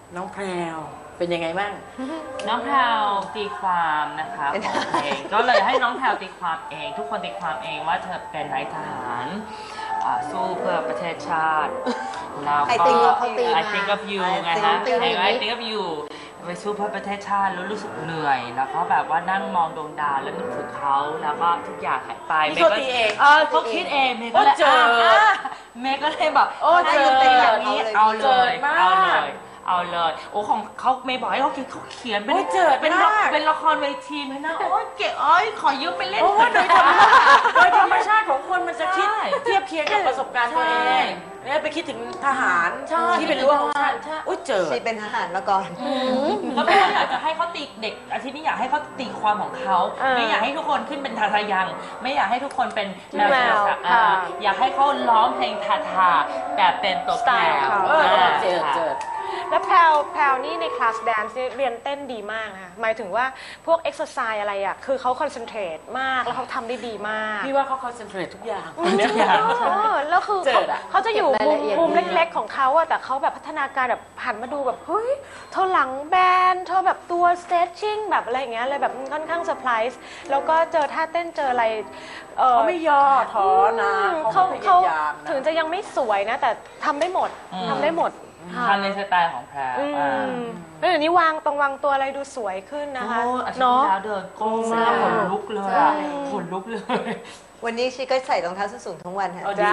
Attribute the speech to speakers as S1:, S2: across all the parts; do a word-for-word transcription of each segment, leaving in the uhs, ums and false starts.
S1: น้องแพรวเป็นยังไงบ้าง
S2: น้องแพรวตีความนะคะของเพลงก็เลยให้น้องแพรวตีความเองทุกคนตีความเองว่าเธอเป็นนายทหารสู้เพื่อประเทศชาติแล้วก็ I think of you ไงฮะเพลง I think of you ไปสู้เพื่อประเทศชาติแล้วรู้สึกเหนื่อยแล้วก็แบบว่านั่งมองดวงดาวแล้วนึกถึงเขาแล้วก็ทุกอย่างหายไป
S1: เมย์ก็ตีเอง
S2: เออเขาคิดเองเมย์ก็เลยเมย์ก็เลยแบบ
S1: โอ้เจอ
S2: เป็นอย่างนี้เอาเลยเอาเลยเอาเลยโอ้ของเขาเมย์บอกให้เขาเขียนเขาเขียนเป็นเป็นเป็นละครเวทีไหมนะโอ้เก๋อ้อยขอยืมไปเล่น
S1: โดยธรรมชาติโดยธรรมชาติของคนมันจะคิดเทียบเคียงกับประสบการณ์ตัวเองเนี่ยไปคิดถึงทหารที่เป็นรั้วของชาติโอ้เจอ
S3: ที่เป็นทหารมาก่อน
S2: แล้วไม่อยากจะให้เขาตีเด็กอาทิตย์นี้อยากให้เขาตีความของเขาไม่อยากให้ทุกคนขึ้นเป็นทาทายังไม่อยากให้ทุกคนเป็นแมวอยากให้เขาร้องเพลงทาทาแบบเป็นตัวแปร
S1: เจอเจอ
S4: แล้วแพลวแพลวนี่ในคลาสแดนซ์เรียนเต้นดีมากนะคะหมายถึงว่าพวกเอ็กซ์ไซส์อะไรอ่ะคือเขาคอนเซนเทรตมากแล้วเขาทำได้ดีมาก
S1: พี่ว่าเขาคอนเซนเทรตทุกอย่าง
S4: ทุกอย่างแล้วคือเขาจะอยู่มุมมุมเล็กๆของเขาอะแต่เขาแบบพัฒนาการแบบหันมาดูแบบเฮ้ยเธอหลังแบนเธอแบบตัวสเตทชิ่งแบบอะไรอย่างเงี้ยเลยแบบค่อนข้างเซอร์ไพรส์แล้วก็เจอท่าเต้นเจออะไร
S1: เขาไม่ย่อท้อนะเขาเขา
S4: ถึงจะยังไม่สวยนะแต่ทำได้หมดทำได้หมด
S2: ทำในสไตล์ของแพร
S4: แล้วเดี๋ยวนี้วางตรงวางตัวอะไรดูสวยขึ้นนะคะ
S2: เนาะแล้วเดินก้มแล้วขนลุกเลยขนลุกเลย
S3: วันนี้ชีก็ใส่รองเท้าส้นสูงทั้งวันค่ะ
S4: จ้า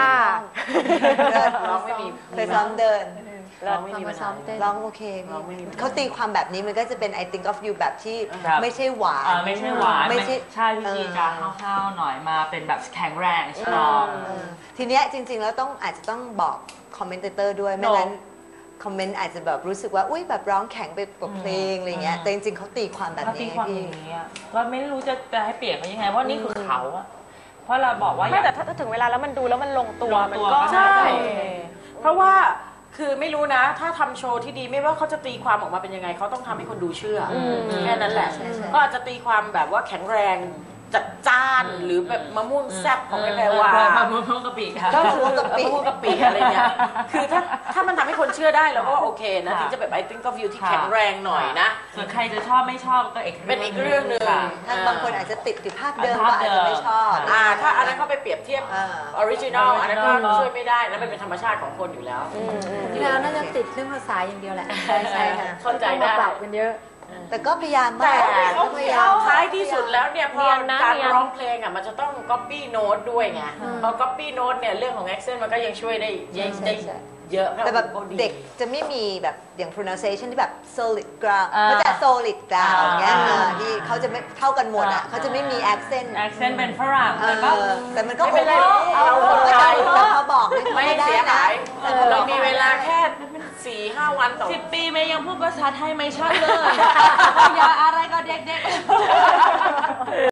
S3: ร้องไม่มีเคยซ้อมเดิน
S1: ร้องไม่มีมาซ้อม
S3: เต้นร้องโอเคเขาตีความแบบนี้มันก็จะเป็น I think of you แบบที่ไม่ใช่หวาน
S2: ไม่ใช่หวานไม่ใช่ใช่พี่จีจะห้าวๆหน่อยมาเป็นแบบแข็งแรงสตรอง
S3: ทีเนี้ยจริงๆแล้วต้องอาจจะต้องบอกคอมเมนเตอร์ด้วยไม่งั้นคอมเมนต์อาจจะแบบรู้สึกว่าอุ้ยแบบร้องแข็งไปกับเพลงอะไรเงี้ยแต่จริงๆเขาตีความแบบนี้
S2: พี่ว่าไม่รู้จะจะให้เปลี่ยนเขายังไงเพราะนี่คือเขาอะเพราะเราบอกว่า
S4: ไม่แต่ถ้าถึงเวลาแล้วมันดูแล้วมันลงตัวมันก็
S1: ใช่เพราะว่าคือไม่รู้นะถ้าทำโชว์ที่ดีไม่ว่าเขาจะตีความออกมาเป็นยังไงเขาต้องทำให้คนดูเชื่อแค่นั้นแหละก็อาจจะตีความแบบว่าแข็งแรงจัดจ้านหรือแบบมะม่วงแซ่บของแพรวาม
S2: ะม่วงกะปิค่ะ
S1: ก็คือมะม่วงกะปิมะม่วงกะปิอะไรเงี้ยคือถ้าถ้ามันทำให้คนเชื่อได้เราก็โอเคนะถึงจะแบบ I think of you ที่แข็งแรงหน่อยนะ
S2: ส่วนใครจะชอบไม่ชอบก็อีก
S1: เป็นอีกเรื่องนึง
S3: ถ้าบางคนอาจจะติดอยู่ภาพเดิมก็อาจจะไม่ชอบ
S1: อ่าถ้าอันนั้นเขาไปเปรียบเทียบออริจินอลอันนั้นก็ช่วยไม่ได้แล้วมันเป็นธรรมชาติของคนอยู่แล้ว
S5: แล้วน่าจะติดเรื่องภาษาอย่างเดียวแหละ
S3: ใช่ใช่ค่ะ
S1: เข้าใจได้
S5: ปรับกันเยอะ
S3: แต่ก็พยายาม
S1: แต่เขาพยายามท้ายที่สุดแล้วเนี่ยพอการร้องเพลงอ่ะมันจะต้อง copy note ด้วยไงพอ copy note เนี่ยเรื่องของ accent มันก็ยังช่วยได้ได้เยอะ
S3: แต่แบบเด็กจะไม่มีแบบอย่าง pronunciation ที่แบบ solid ground ก็จะ solid ground เงี้ยที่เขาจะไม่เท่ากันหมดอ่ะเขาจะไม่มี accent
S2: accent เป็นฝรั่ง
S3: แต่มันก็
S1: ไม่เป็นไรเราคนไทย
S3: เขาบอก
S1: ไม่เสียหายเรามีเวลาแค่สี่ห้าวันต่อ
S2: สิบปีเมย์ยังพูดภาษาไทยไม่ชัดเลยอย่าอะไรก็เด็กๆ